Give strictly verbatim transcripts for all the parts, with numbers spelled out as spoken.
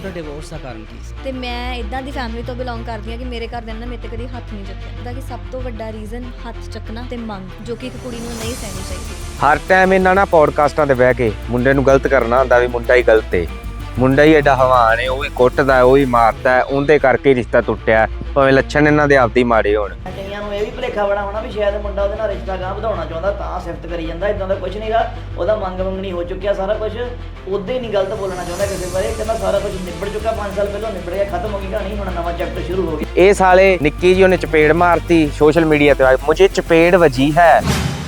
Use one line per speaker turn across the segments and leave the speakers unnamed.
ਤੁਹਾਡਾ ਡਿਵੋਰਸ ਦਾ ਕਾਰਨ ਕੀ ਸੀ?
ਤੇ ਮੈਂ ਇਦਾਂ ਦੀ ਫੈਮਿਲੀ ਤੋਂ ਬਿਲੋਂਗ ਕਰਦੀ ਹਾਂ ਕਿ ਮੇਰੇ ਘਰਦਿਆਂ ਨੇ ਮੇਰੇ ਤੇ ਕਦੀ ਹੱਥ ਨਹੀਂ ਚੱਕਿਆ। ਉਹਦਾ ਕਿ ਸਭ ਤੋਂ ਵੱਡਾ ਰੀਜ਼ਨ ਹੱਥ ਚੱਕਣਾ ਤੇ ਮੰਗ, ਜੋ ਕਿ ਇੱਕ ਕੁੜੀ ਨੂੰ ਨਹੀਂ ਸਹਿਣੀ ਚਾਹੀਦੀ।
ਹਰ ਟਾਈਮ ਇਹਨਾਂ ਨਾ ਪੋਡਕਾਸਟਾਂ ਤੇ ਬਹਿ ਕੇ ਮੁੰਡੇ ਨੂੰ ਗਲਤ ਕਰਨਾ ਹੁੰਦਾ ਵੀ ਮੁੰਡਾ ਹੀ ਗਲਤ ਏ, ਮੁੰਡਾ ਹੀ ਐਡਾ ਹਵਾਨ ਏ, ਉਹ ਵੀ ਕੁੱਟਦਾ, ਉਹ ਵੀ ਮਾਰਦਾ, ਉਹਦੇ ਕਰਕੇ ਰਿਸ਼ਤਾ ਟੁੱਟਿਆ, ਭਾਵੇਂ ਲੱਛਣ ਇਹਨਾਂ ਦੇ ਆਪਦੇ ਮਾੜੇ ਹੋਣ।
ਕਈਆਂ ਨੂੰ ਇਹ ਵੀ ਭੁਲੇਖਾ ਬਣਾ ਹੋਣਾ ਵੀ ਸ਼ਾਇਦ ਮੁੰਡਾ ਉਹਦੇ ਨਾਲ ਰਿਸ਼ਤਾ ਗਾਂਹ ਵਧਾਉਣਾ ਚਾਹੁੰਦਾ ਤਾਂ ਸਿਫਤ ਕਰੀ ਜਾਂਦਾ। ਇਦਾਂ ਦਾ ਕੁਝ ਨਹੀਂਗਾ, ਉਹਦਾ ਮੰਗ ਮੰਗਣੀ ਹੋ ਚੁੱਕਿਆ ਸਾਰਾ ਕੁਝ, ਉਹਦੇ ਹੀ ਨਹੀਂ ਗਲਤ ਬੋਲਣਾ ਚਾਹੁੰਦਾ ਕਿਸੇ ਬਾਰੇ। ਕਹਿੰਦਾ ਸਾਰਾ ਕੁਝ ਨਿਬੜ ਚੁੱਕਾ, ਪੰਜ ਸਾਲ ਪਹਿਲਾਂ ਨਿਬੜ ਗਿਆ, ਖਤਮ ਹੋ ਗਈ ਕਹਾਣੀ, ਹੁਣ ਨਵਾਂ ਚੈਪਟਰ ਸ਼ੁਰੂ ਹੋ ਗਿਆ।
ਇਹ ਸਾਲੇ ਨਿੱਕੀ ਜੀ ਉਹਨੇ ਚਪੇੜ ਮਾਰਤੀ ਸੋਸ਼ਲ ਮੀਡੀਆ ਤੇ, ਮੁਝੇ ਚਪੇੜ ਵਜੀ ਹੈ।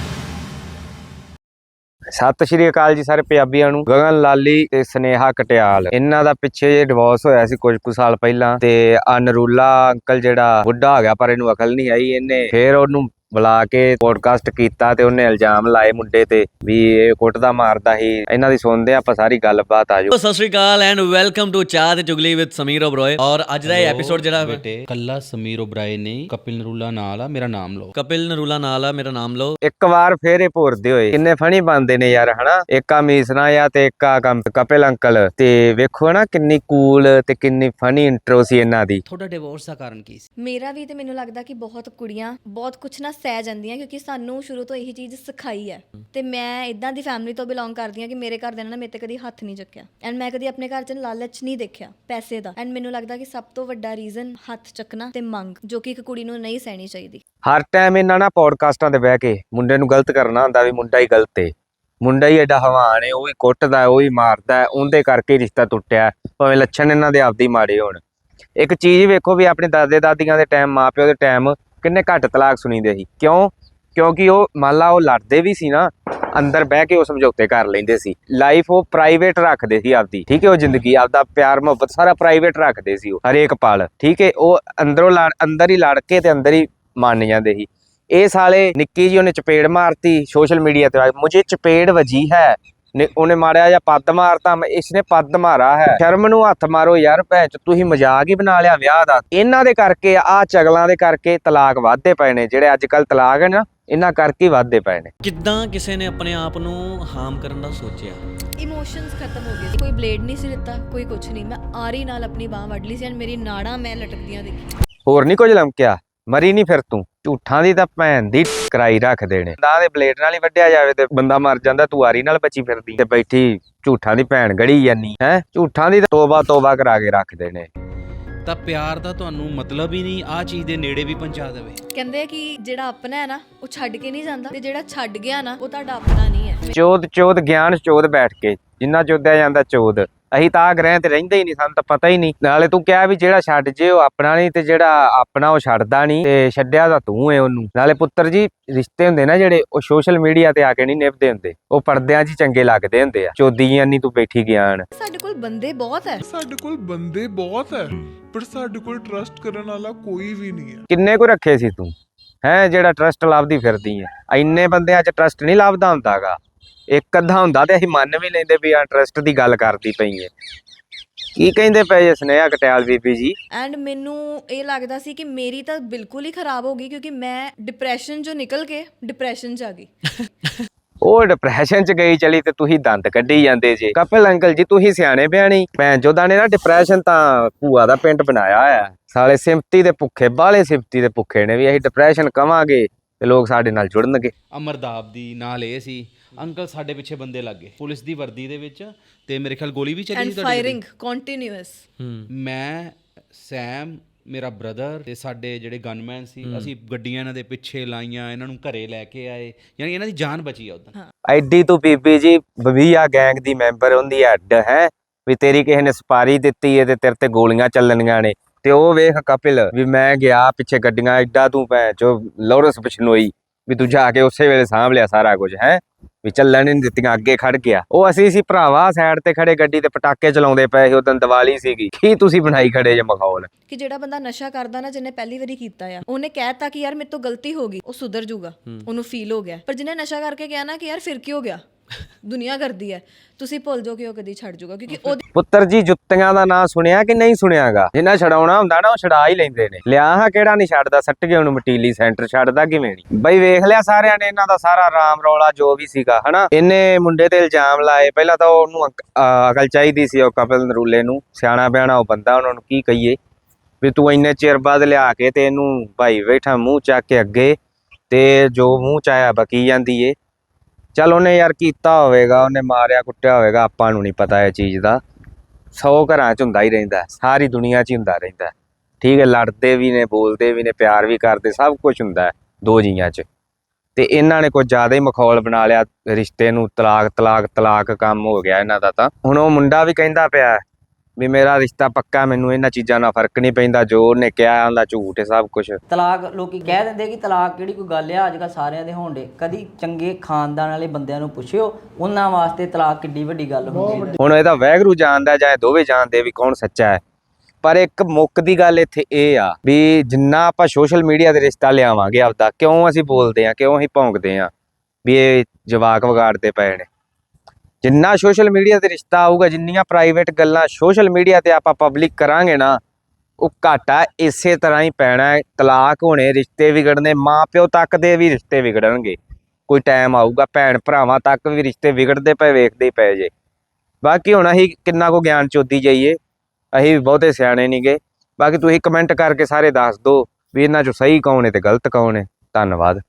ਸਤਿ ਸ਼੍ਰੀ ਅਕਾਲ ਜੀ ਸਾਰੇ ਪੰਜਾਬੀਆਂ ਨੂੰ। ਗਗਨ ਲਾਲੀ ਤੇ ਸਨੇਹਾ ਕਟਿਆਲ, ਇਹਨਾਂ ਦਾ ਪਿੱਛੇ ਜੇ ਡਿਵੋਰਸ ਹੋਇਆ ਸੀ ਕੁਝ ਕੁ ਸਾਲ ਪਹਿਲਾਂ, ਤੇ ਆ ਨਰੂਲਾ ਅੰਕਲ ਜਿਹੜਾ ਬੁੱਢਾ ਹੋ ਗਿਆ ਪਰ ਇਹਨੂੰ ਅਕਲ ਨਹੀਂ ਆਈ, ਇਹਨੇ ਫੇਰ ਉਹਨੂੰ ਬੁਲਾ ਕੇ ਪੋਡਕਾਸਟ ਕੀਤਾ ਤੇ ਉਹਨੇ ਇਲਜ਼ਾਮ ਲਾਏ ਮੁੰਡੇ ਤੇ ਵੀ ਇਹ ਕੁੱਟਦਾ ਮਾਰਦਾ ਸੀ। ਇਹਨਾਂ ਦੀ ਸੁਣਦੇ ਆਪਾਂ ਸਾਰੀ ਗੱਲਬਾਤ। ਆਜੋ।
ਸਤਿ ਸ਼੍ਰੀ ਅਕਾਲ and welcome to Chah te ਚੁਗਲੀ with Sameer Oberoi. ਔਰ ਅੱਜ ਦਾ ਇਹ ਐਪੀਸੋਡ ਜਿਹੜਾ
ਬੇਟੇ ਕੱਲਾ ਸਮੀਰ ਓਬਰਾਏ ਨਹੀਂ, ਕਪਿਲ ਨਰੂਲਾ ਨਾਲ ਆ, ਮੇਰਾ ਨਾਮ ਲਓ।
ਕਪਿਲ ਨਰੂਲਾ ਨਾਲ ਆ, ਮੇਰਾ ਨਾਮ ਲਓ।
ਇੱਕ ਵਾਰ ਫੇਰ ਇਹ ਭੋਰਦੇ ਹੋਏ ਕਿੰਨੇ ਫਨੀ ਬਣਦੇ ਨੇ ਯਾਰ, ਹਨਾ। ਇੱਕ ਆ ਮੀਸਨਾ ਆ ਤੇ ਇੱਕ ਆ ਕਪਿਲ ਅੰਕਲ, ਤੇ ਵੇਖੋ ਨਾ ਕਿੰਨੀ ਕੂਲ ਤੇ ਕਿੰਨੀ ਫਨੀ ਇੰਟਰੋ ਸੀ ਇਹਨਾਂ ਦੀ।
ਤੁਹਾਡਾ ਡਿਵੋਰਸ ਦਾ ਕਾਰਨ ਕੀ ਸੀ?
ਮੇਰਾ ਵੀ ਤੇ ਮੈਨੂੰ ਲੱਗਦਾ ਕਿ ਬਹੁਤ ਕੁੜੀਆਂ ਬਹੁਤ ਕੁਛ ਨਾ ਸਹਿ ਜਾਂਦੀਆਂ, ਕਿਉਂਕਿ ਸਾਨੂੰ ਸ਼ੁਰੂ ਤੋਂ ਇਹੀ ਚੀਜ਼ ਸਿਖਾਈ ਹੈ। ਤੇ ਮੈਂ ਇਦਾਂ ਦੀ ਫੈਮਿਲੀ ਤੋਂ ਬਿਲੋਂਗ ਕਰਦੀ ਹਾਂ ਕਿ ਮੇਰੇ ਘਰਦਿਆਂ ਨੇ ਮੇਰੇ ਤੇ ਕਦੀ ਹੱਥ ਨਹੀਂ ਚੱਕਿਆ, ਐਂਡ ਮੈਂ ਕਦੀ ਆਪਣੇ ਘਰ 'ਚ ਲਾਲਚ ਨਹੀਂ ਦੇਖਿਆ ਪੈਸੇ ਦਾ। ਐਂਡ ਮੈਨੂੰ ਲੱਗਦਾ ਕਿ ਸਭ ਤੋਂ ਵੱਡਾ ਰੀਜ਼ਨ ਹੱਥ ਚੱਕਣਾ ਤੇ ਮੰਗ, ਜੋ ਕਿ ਇੱਕ ਕੁੜੀ ਨੂੰ ਨਹੀਂ ਸਹਿਣੀ ਚਾਹੀਦੀ।
ਹਰ ਟਾਈਮ ਇਹਨਾਂ ਨਾ ਪੋਡਕਾਸਟਾਂ ਤੇ ਬਹਿ ਕੇ ਮੁੰਡੇ ਨੂੰ ਗਲਤ ਕਰਨਾ ਹੁੰਦਾ ਵੀ ਮੁੰਡਾ ਹੀ ਗਲਤ ਏ, ਮੁੰਡਾ ਹੀ ਐਡਾ ਹਵਾਨ ਏ, ਉਹ ਵੀ ਕੁੱਟਦਾ, ਉਹ ਵੀ ਮਾਰਦਾ, ਉਹਦੇ ਕਰਕੇ ਰਿਸ਼ਤਾ ਟੁੱਟਿਆ, ਭਾਵੇਂ ਲੱਛਣ ਇਹਨਾਂ ਦੇ ਆਪਦੇ ਮਾੜੇ ਹੋਣ। ਇੱਕ ਚੀਜ਼ ਵੇਖੋ ਵੀ ਆਪਣੇ ਦਾਦੇ ਦਾਦੀਆਂ ਦੇ ਟਾਈਮ, ਮਾਂ ਪਿਓ ਦੇ ਟਾਈਮ ਕਿੰਨੇ ਘੱਟ ਤਲਾਕ ਸੁਣੀਦੇ ਸੀ। ਕਿਉਂ? ਕਿਉਂਕਿ ਉਹ ਮੰਨ ਲਾ ਉਹ ਲੜਦੇ ਵੀ ਸੀ ਨਾ, ਅੰਦਰ ਬਹਿ ਕੇ ਉਹ ਸਮਝੌਤੇ ਕਰ ਲੈਂਦੇ ਸੀ। ਲਾਈਫ ਉਹ ਪ੍ਰਾਈਵੇਟ ਰੱਖਦੇ ਸੀ ਆਪਦੀ, ਠੀਕ ਹੈ। ਉਹ ਜ਼ਿੰਦਗੀ ਆਪਦਾ ਪਿਆਰ ਮੁਹੱਬਤ ਸਾਰਾ ਪ੍ਰਾਈਵੇਟ ਰੱਖਦੇ ਸੀ ਉਹ ਹਰੇਕ ਪਲ, ਠੀਕ ਹੈ। ਉਹ ਅੰਦਰੋਂ ਲੜ ਅੰਦਰ ਹੀ ਲੜ ਕੇ ਤੇ ਅੰਦਰ ਹੀ ਮੰਨ ਜਾਂਦੇ ਸੀ। ਇਹ ਸਾਲੇ ਨਿੱਕੀ ਜੀ ਉਹਨੇ ਚਪੇੜ ਮਾਰਤੀ ਸੋਸ਼ਲ ਮੀਡੀਆ ਤੇ, ਮੁਝੇ ਚਪੇੜ ਵਜੀ ਹੈ, ਉਹਨੇ ਮਾਰਿਆ ਜਾਂ ਪੱਦ ਮਾਰਤਾ, ਇਸਨੇ ਪੱਦ ਮਾਰਾ ਹੈ। ਸ਼ਰਮ ਨੂੰ ਹੱਥ ਮਾਰੋ ਯਾਰ, ਭੈਣ ਚ ਤੁਸੀਂ ਮਜ਼ਾਕ ਹੀ ਬਣਾ ਲਿਆ ਵਿਆਹ ਦਾ। ਇਹਨਾਂ ਦੇ ਕਰਕੇ, ਆਹ ਚਗਲਾਂ ਦੇ ਕਰਕੇ ਤਲਾਕ ਵੱਧਦੇ ਪਏ ਨੇ, ਜਿਹੜੇ ਅੱਜ ਕੱਲ ਤਲਾਕ ਹੈ ਨਾ, ਇਹਨਾਂ ਕਰਕੇ ਹੀ ਵੱਧਦੇ ਪਏ ਨੇ।
ਕਿੱਦਾਂ ਕਿਸੇ ਨੇ ਆਪਣੇ ਆਪ ਨੂੰ ਹਾਰਮ ਕਰਨ ਦਾ ਸੋਚਿਆ?
ਇਮੋਸ਼ਨਸ ਖਤਮ ਹੋ ਗਏ। ਕੋਈ ਬਲੇਡ ਨਹੀਂ ਸੀ ਲਿੱਤਾ, ਕੋਈ ਕੁਛ ਨਹੀਂ। ਮੈਂ ਆਰੀ ਨਾਲ ਆਪਣੀ ਬਾਹ ਵੱਢ ਲਈ ਸੀ, ਐਂਡ ਮੇਰੀ ਨਾੜਾਂ ਮੈਂ ਲਟਕਦੀਆਂ ਦੇਖੀ।
ਹੋਰ ਨਹੀਂ ਕੁਝ ਲਮਕਿਆ, ਮਰੀ ਨਹੀਂ ਫਿਰ ਤੂੰ। ਝੂਠਾਂ ਦੀ ਤਾਂ ਭੈਣ ਦੀ ਕਰਾਈ ਰੱਖਦੇ ਨੇ। ਦਾ ਦੇ ਬਲੇਡ ਨਾਲ ਹੀ ਵੱਢਿਆ ਜਾਵੇ ਤੇ ਬੰਦਾ ਮਰ ਜਾਂਦਾ, ਤੂੰ ਆਰੀ ਨਾਲ ਬਚੀ ਫਿਰਦੀ ਤੇ ਬੈਠੀ ਝੂਠਾਂ ਦੀ ਭੈਣ ਗੜੀ ਜਾਨੀ ਹੈ। ਝੂਠਾਂ ਦੀ ਤੋਬਾ ਤੋਬਾ ਕਰਾ ਕੇ ਰੱਖਦੇ ਨੇ।
ਤਾਂ ਪਿਆਰ ਦਾ ਤੁਹਾਨੂੰ ਮਤਲਬ ਹੀ ਨਹੀਂ ਆਹ ਚੀਜ਼ ਦੇ ਨੇੜੇ ਵੀ ਪਹੁੰਚਾ ਦੇਵੇ।
ਕਹਿੰਦੇ ਆ ਕਿ ਜਿਹੜਾ ਆਪਣਾ ਹੈ ਨਾ ਉਹ ਛੱਡ ਕੇ ਨਹੀਂ ਜਾਂਦਾ, ਤੇ ਜਿਹੜਾ ਛੱਡ ਗਿਆ ਨਾ ਉਹ ਤੁਹਾਡਾ ਆਪਣਾ ਨਹੀਂ ਹੈ।
ਚੋਦ ਚੋਦ ਗਿਆਨ ਚੋਦ ਬੈਠ ਕੇ ਜਿੰਨਾ ਚੋਦਿਆ ਜਾਂਦਾ ਚੋਦ। ਅਸੀਂ ਤਾਂ ਗ੍ਰਹਿ ਤੇ ਰਹਿੰਦੇ ਹੀ ਨਹੀਂ, ਸਾਨੂੰ ਤਾਂ ਪਤਾ ਹੀ ਨਹੀਂ। ਨਾਲੇ ਤੂੰ ਕਿਹਾ ਵੀ ਜਿਹੜਾ ਛੱਡ ਜੇ ਉਹ ਆਪਣਾ ਨਹੀਂ, ਤੇ ਜਿਹੜਾ ਆਪਣਾ ਉਹ ਛੱਡਦਾ ਨਹੀਂ, ਤੇ ਛੱਡਿਆ ਤਾਂ ਤੂੰ ਏ ਉਹਨੂੰ। ਨਾਲੇ ਪੁੱਤਰ ਜੀ, ਰਿਸ਼ਤੇ ਹੁੰਦੇ ਨਾ ਜਿਹੜੇ, ਉਹ ਸੋਸ਼ਲ ਮੀਡੀਆ ਤੇ ਆ ਕੇ ਨਹੀਂ ਨਿਭਦੇ ਹੁੰਦੇ, ਉਹ ਪਰਦਿਆਂ 'ਚ ਚੰਗੇ ਲੱਗਦੇ ਹੁੰਦੇ ਆ। ਚੋਦੀਆਂ ਨਹੀਂ ਤੂੰ ਬੈਠੀ ਗਿਆਨ।
ਸਾਡੇ ਕੋਲ ਬੰਦੇ ਬਹੁਤ ਹੈ,
ਸਾਡੇ ਕੋਲ ਬੰਦੇ ਬਹੁਤ ਹੈ, ਪਰ ਸਾਡੇ ਕੋਲ ਟਰਸਟ ਕਰਨ ਵਾਲਾ ਕੋਈ ਵੀ ਨਹੀਂ ਹੈ।
ਕਿੰਨੇ ਕੁ ਰੱਖੇ ਸੀ ਤੂੰ ਹੈ ਜਿਹੜਾ ਟਰਸਟ ਲੱਭਦੀ ਫਿਰਦੀ ਹੈ? ਇੰਨੇ ਬੰਦਿਆਂ 'ਚ ਟਰਸਟ ਨਹੀਂ ਲੱਭਦਾ ਹੁੰਦਾਗਾ। ਇੱਕ ਅੱਧਾ ਹੁੰਦਾ ਤੇ ਅਸੀਂ ਮੰਨ ਵੀ ਲੈਂਦੇ ਵੀ ਆ ਟਰਸਟ ਦੀ ਗੱਲ ਕਰਦੀ ਪਈ ਹੈ। ਕੀ ਕਹਿੰਦੇ ਪਏ ਸਨੇਹਾ ਕਟਿਆਲ ਬੀਬੀ ਜੀ?
ਐਂਡ ਮੈਨੂੰ ਇਹ ਲੱਗਦਾ ਸੀ ਕਿ ਮੇਰੀ ਤਾਂ ਬਿਲਕੁਲ ਹੀ ਖਰਾਬ ਹੋ ਗਈ, ਕਿਉਂਕਿ ਮੈਂ ਡਿਪਰੈਸ਼ਨ ਚੋਂ ਨਿਕਲ ਕੇ ਡਿਪਰੈਸ਼ਨ 'ਚ ਆ ਗਈ।
ਉਹ ਡਿਪਰੈਸ਼ਨ 'ਚ ਗਈ ਚਲੀ ਤੇ ਤੁਸੀਂ ਦੰਦ ਕੱਢੀ ਜਾਂਦੇ ਜੇ। ਕਪਿਲ ਅੰਕਲ ਜੀ ਤੁਸੀਂ ਸਿਆਣੇ ਬਿਆਣੀ। ਭੈਣ ਚੋਦਾਂ ਨੇ ਨਾ ਡਿਪਰੈਸ਼ਨ ਤਾਂ ਭੂਆ ਦਾ ਪਿੰਡ ਬਣਾਇਆ ਹੋਇਆ। ਸਾਲੇ ਸਿੰਪਤੀ ਦੇ ਭੁੱਖੇ, ਬਾਲੇ ਸਿੰਪਤੀ ਦੇ ਭੁੱਖੇ ਨੇ ਵੀ ਅਸੀਂ ਡਿਪਰੈਸ਼ਨ ਕਵਾਂਗੇ ਤੇ ਲੋਕ ਸਾਡੇ ਨਾਲ ਜੁੜਨਗੇ।
ਅਮਰਦਾਬ ਦੀ ਨਾਲ ਇਹ ਸੀ, ਅੰਕਲ ਸਾਡੇ ਪਿੱਛੇ ਬੰਦੇ ਲੱਗ ਗਏ ਪੁਲਿਸ ਦੀ ਵਰਦੀ ਦੇ ਵਿੱਚ, ਤੇ ਮੇਰੇ ਖਿਆਲ ਗੋਲੀ ਵੀ ਚੱਲੀ ਸੀ।
Firing continuous.
ਮੈਂ, ਸੈਮ, ਮੇਰਾ ਬ੍ਰਦਰ ਤੇ ਸਾਡੇ ਜਿਹੜੇ ਗਨਮੈਨ ਸੀ, ਅਸੀਂ ਗੱਡੀਆਂ ਇਹਨਾਂ ਦੇ ਪਿੱਛੇ ਲਾਈਆਂ, ਇਹਨਾਂ ਨੂੰ ਘਰੇ ਲੈ ਕੇ ਆਏ, ਯਾਨੀ ਇਹਨਾਂ ਦੀ ਜਾਨ ਬਚੀ ਆ ਉਦੋਂ।
ਐਡੀ ਤੂੰ ਬੀਬੀ ਜੀ ਬਵੀਆ ਗੈਂਗ ਦੀ ਮੈਂਬਰ ਹੁੰਦੀ ਅੱਡ ਹੈ ਵੀ ਤੇਰੀ ਕਿਸੇ ਨੇ ਸਪਾਰੀ ਦਿੱਤੀ ਹੈ ਤੇ ਤੇਰੇ ਤੇ ਗੋਲੀਆਂ ਚੱਲਣੀਆਂ ਨੇ। ਤੇ ਉਹ ਵੇਖ ਕਪਿਲ ਵੀ ਮੈਂ ਗਿਆ ਪਿੱਛੇ ਗੱਡੀਆਂ, ਐਡਾ ਤੂੰ ਭੈਣ ਚੋ ਲੋਰੈਂਸ ਬਿਸ਼ਨੋਈ ਵੀ ਤੂੰ ਜਾ ਕੇ ਉਸੇ ਵੇਲੇ ਸਾਂਭ ਲਿਆ ਸਾਰਾ ਕੁਝ ਹੈ, ਵੀ ਚੱਲਣ ਨਹੀਂ ਦਿੱਤੀਆਂ, ਅੱਗੇ ਖੜ ਗਿਆ। ਉਹ ਅਸੀਂ ਸੀ ਭਰਾਵਾ ਸਾਈਡ ਤੇ ਖੜੇ ਗੱਡੀ ਤੇ ਪਟਾਕੇ ਚਲਾਉਂਦੇ ਪਏ ਸੀ, ਉਦੋਂ ਦੀਵਾਲੀ ਸੀਗੀ। ਕੀ ਤੁਸੀਂ ਬਣਾਈ ਖੜੇ ਜੇ ਮਖੌਲ?
ਕਿ ਜਿਹੜਾ ਬੰਦਾ ਨਸ਼ਾ ਕਰਦਾ ਨਾ, ਜਿਹਨੇ ਪਹਿਲੀ ਵਾਰੀ ਕੀਤਾ ਆ, ਉਹਨੇ ਕਹਿਤਾ ਕਿ ਯਾਰ ਮੇਰੇ ਤੋਂ ਗਲਤੀ ਹੋ ਗਈ, ਉਹ ਸੁਧਰ ਜੂਗਾ, ਉਹਨੂੰ ਫੀਲ ਹੋ ਗਿਆ। ਪਰ ਜਿਹਨੇ ਨਸ਼ਾ ਕਰਕੇ ਕਿਹਾ ਨਾ ਕਿ ਯਾਰ ਫਿਰ ਕੀ ਹੋ ਗਿਆ, ਦੁਨੀਆ ਕਰਦੀ ਹੈ, ਤੁਸੀਂ ਭੁੱਲ ਜਾਓ ਕਿ ਉਹ ਕਦੀ ਛੱਡ ਜਾਊਗਾ, ਕਿਉਂਕਿ ਉਹਦੀ
ਪੁੱਤਰ ਜੀ ਜੁੱਤੀਆਂ ਦਾ ਨਾਂ ਸੁਣਿਆ ਕਿ ਨਹੀਂ ਸੁਣਿਆਗਾ? ਜਿੰਨਾ ਛਡਾਉਣਾ ਹੁੰਦਾ ਨਾ ਉਹ ਛਡਾ ਹੀ ਲੈਂਦੇ ਨੇ। ਲਿਆ ਹਾਂ ਕਿਹੜਾ ਨਹੀਂ ਛੱਡਦਾ, ਸੱਟ ਕੇ ਉਹਨੂੰ ਮਟੀਲੀ ਸੈਂਟਰ ਛੱਡਦਾ ਕਿਵੇਂ ਨਹੀਂ? ਬਈ ਵੇਖ ਲਿਆ ਸਾਰਿਆਂ ਨੇ ਇਹਨਾਂ ਦਾ ਸਾਰਾ ਰਾਮ ਰੌਲਾ ਜੋ ਵੀ ਸੀਗਾ ਹਨਾ। ਇਹਨੇ ਮੁੰਡੇ ਤੇ ਇਲਜ਼ਾਮ ਲਾਏ, ਪਹਿਲਾਂ ਤਾਂ ਉਹਨੂੰ ਅਕ- ਅਹ ਅਕਲ ਚਾਹੀਦੀ ਸੀ ਉਹ ਕਪਿਲ ਨਰੂਲੇ ਨੂੰ, ਸਿਆਣਾ ਬਿਆਣਾ ਉਹ ਬੰਦਾ, ਉਹਨਾਂ ਨੂੰ ਕੀ ਕਹੀਏ ਵੀ ਤੂੰ ਇੰਨੇ ਚਿਰ ਬਾਅਦ ਲਿਆ ਕੇ ਤੇ ਇਹਨੂੰ ਭਾਈ ਬੈਠਾ ਮੂੰਹ ਚੱਕ ਕੇ ਅੱਗੇ ਤੇ ਜੋ ਮੂੰਹ ਚ ਆਇਆ ਬਕੀ ਜਾਂਦੀ ਏ। ਚੱਲ ਉਹਨੇ ਯਾਰ ਕੀਤਾ ਹੋਵੇਗਾ, ਉਹਨੇ ਮਾਰਿਆ ਕੁੱਟਿਆ ਹੋਵੇਗਾ, ਆਪਾਂ ਨੂੰ ਨਹੀਂ ਪਤਾ ਇਹ ਚੀਜ਼ ਦਾ। ਸੌ ਘਰਾਂ 'ਚ ਹੁੰਦਾ ਹੀ ਰਹਿੰਦਾ, ਸਾਰੀ ਦੁਨੀਆ 'ਚ ਹੀ ਹੁੰਦਾ ਰਹਿੰਦਾ, ਠੀਕ ਹੈ। ਲੜਦੇ ਵੀ ਨੇ, ਬੋਲਦੇ ਵੀ ਨੇ, ਪਿਆਰ ਵੀ ਕਰਦੇ, ਸਭ ਕੁਝ ਹੁੰਦਾ ਹੈ ਦੋ ਜੀਆਂ 'ਚ। ਤੇ ਇਹਨਾਂ ਨੇ ਕੁਝ ਜ਼ਿਆਦਾ ਹੀ ਮਖੌਲ ਬਣਾ ਲਿਆ ਰਿਸ਼ਤੇ ਨੂੰ, ਤਲਾਕ ਤਲਾਕ ਤਲਾਕ ਕੰਮ ਹੋ ਗਿਆ ਇਹਨਾਂ ਦਾ। ਤਾਂ ਹੁਣ ਉਹ ਮੁੰਡਾ ਵੀ ਕਹਿੰਦਾ ਪਿਆ ਵੀ ਮੇਰਾ ਰਿਸ਼ਤਾ ਪੱਕਾ, ਮੈਨੂੰ ਇਹਨਾਂ ਚੀਜ਼ਾਂ ਨਾਲ ਫਰਕ ਨਹੀਂ ਪੈਂਦਾ, ਜੋ ਉਹਨੇ ਕਿਹਾ ਉਹਦਾ ਝੂਠ ਹੈ ਸਭ ਕੁਝ।
ਤਲਾਕ ਲੋਕੀ ਕਹਿ ਦਿੰਦੇ ਕਿ ਤਲਾਕ ਕਿਹੜੀ ਕੋਈ ਗੱਲ ਆ, ਅੱਜ ਕੱਲ੍ਹ ਸਾਰਿਆਂ ਦੇ ਹੋਣ ਡੇ। ਕਦੀ ਚੰਗੇ ਖਾਨਦਾਨ ਵਾਲੇ ਬੰਦਿਆਂ ਨੂੰ ਪੁੱਛਿਓ, ਉਹਨਾਂ ਵਾਸਤੇ ਤਲਾਕ ਕਿੱਡੀ ਵੱਡੀ ਗੱਲ ਹੁੰਦੀ ਹੈ।
ਹੁਣ ਇਹਦਾ ਵਾਹਿਗੁਰੂ ਜਾਣਦਾ ਜਾਂ ਇਹ ਦੋਵੇਂ ਜਾਣਦੇ ਵੀ ਕੌਣ ਸੱਚਾ ਹੈ। ਪਰ ਇੱਕ ਮੁੱਕ ਦੀ ਗੱਲ ਇੱਥੇ ਇਹ ਆ ਵੀ ਜਿੰਨਾ ਆਪਾਂ ਸੋਸ਼ਲ ਮੀਡੀਆ ਤੇ ਰਿਸ਼ਤਾ ਲਿਆਵਾਂਗੇ ਆਪਦਾ, ਕਿਉਂ ਅਸੀਂ ਬੋਲਦੇ ਹਾਂ, ਕਿਉਂ ਅਸੀਂ ਭੌਂਕਦੇ ਹਾਂ ਵੀ ਇਹ ਜਵਾਕ ਵਿਗਾੜਦੇ ਪਏ ਨੇ। ਜਿੰਨਾ ਸੋਸ਼ਲ ਮੀਡੀਆ ਤੇ ਰਿਸ਼ਤਾ ਆਊਗਾ, ਜਿੰਨੀਆਂ ਪ੍ਰਾਈਵੇਟ ਗੱਲਾਂ ਸੋਸ਼ਲ ਮੀਡੀਆ ਤੇ ਆਪਾਂ ਪਬਲਿਕ ਕਰਾਂਗੇ ਨਾ, ਉਹ ਘਾਟਾ ਇਸੇ ਤਰ੍ਹਾਂ ਹੀ ਪੈਣਾ ਹੈ। ਤਲਾਕ ਹੋਣੇ, ਰਿਸ਼ਤੇ ਵਿਗੜਨੇ, ਮਾਂ ਪਿਓ ਤੱਕ ਦੇ ਵੀ ਰਿਸ਼ਤੇ ਵਿਗੜਨਗੇ। ਕੋਈ ਟਾਈਮ ਆਊਗਾ ਭੈਣ ਭਰਾਵਾਂ ਤੱਕ ਵੀ ਰਿਸ਼ਤੇ ਵਿਗੜਦੇ ਪਏ, ਵੇਖਦੇ ਹੀ ਪਏ ਜੇ। ਬਾਕੀ ਹੁਣ ਅਸੀਂ ਕਿੰਨਾ ਕੁ ਗਿਆਨ ਚੋਦੀ ਜਾਈਏ, ਅਸੀਂ ਵੀ ਬਹੁਤੇ ਸਿਆਣੇ ਨਹੀਂ ਗੇ। ਬਾਕੀ ਤੁਸੀਂ ਕਮੈਂਟ ਕਰਕੇ ਸਾਰੇ ਦੱਸ ਦਿਓ ਵੀ ਇਹਨਾਂ 'ਚੋਂ ਸਹੀ ਕੌਣ ਹੈ ਤੇ ਗਲਤ ਕੌਣ ਹੈ। ਧੰਨਵਾਦ।